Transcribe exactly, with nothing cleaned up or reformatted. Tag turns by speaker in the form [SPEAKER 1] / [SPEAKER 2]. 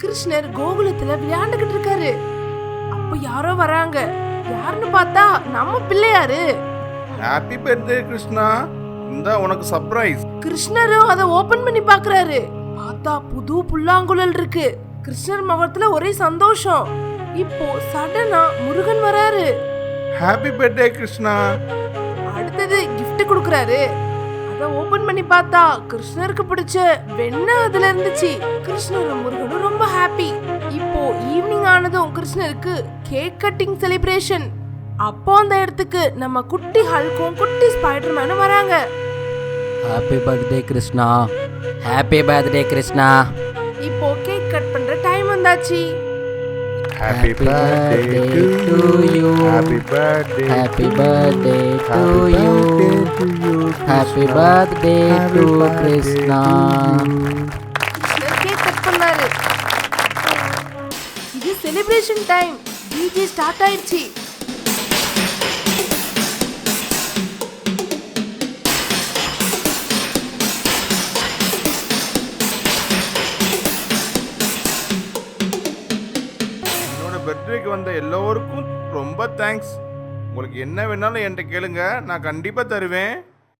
[SPEAKER 1] கிருஷ்ணர் கோகுலத்துல விளையாண்டுகிட்டு இருக்காரு. அப்ப யாரோ வராங்க. யாருன்னு பார்த்தா நம்ம பிள்ளையாரு.
[SPEAKER 2] ஹாப்பி பர்த்டே கிருஷ்ணா, இந்த உனக்கு சர்ப்ரைஸ்.
[SPEAKER 1] கிருஷ்ணரும் அதை ஓபன் பண்ணி பாக்குறாரு. பார்த்தா புது புல்லாங்குழல் இருக்கு. கிருஷ்ணர் முகத்துல ஒரே சந்தோஷம். இப்போ சடனா முருகன் வராரு.
[SPEAKER 2] Happy birthday Krishna.
[SPEAKER 1] அடுத்தது gift கொடுக்கறாரு. அத ஓபன் பண்ணி பார்த்தா கிருஷ்ணருக்கு பிடிச்ச வெண்ணெய் அதுல இருந்துச்சு. கிருஷ்ணரும் முருகனும் ரொம்ப ஹாப்பி. இப்போ ஈவினிங் ஆனதும் கிருஷ்ணருக்கு கேக் கட்டிங் செலிப்ரேஷன். அப்போ அந்த இடத்துக்கு நம்ம குட்டி ஹல்கும் குட்டி ஸ்பைடர்மேனும் வராங்க.
[SPEAKER 3] Happy birthday Krishna. Happy birthday Krishna.
[SPEAKER 1] இப்போ கேக் கட் பண்ற டைம் வந்தாச்சு.
[SPEAKER 2] Happy birthday to you. Happy birthday.
[SPEAKER 3] Happy birthday to you. Happy birthday to Krishna.
[SPEAKER 1] Krishnar cake cut பண்ணாரு. இது செலிப்ரேஷன் டைம். டிஜே ஸ்டார்ட் ஆயிடுச்சு.
[SPEAKER 2] பர்த்டேக்கு வந்த எல்லோருக்கும் ரொம்ப தேங்க்ஸ். உங்களுக்கு என்ன வேணாலும் என்கிட்ட கேளுங்க, நான் கண்டிப்பா தருவேன்.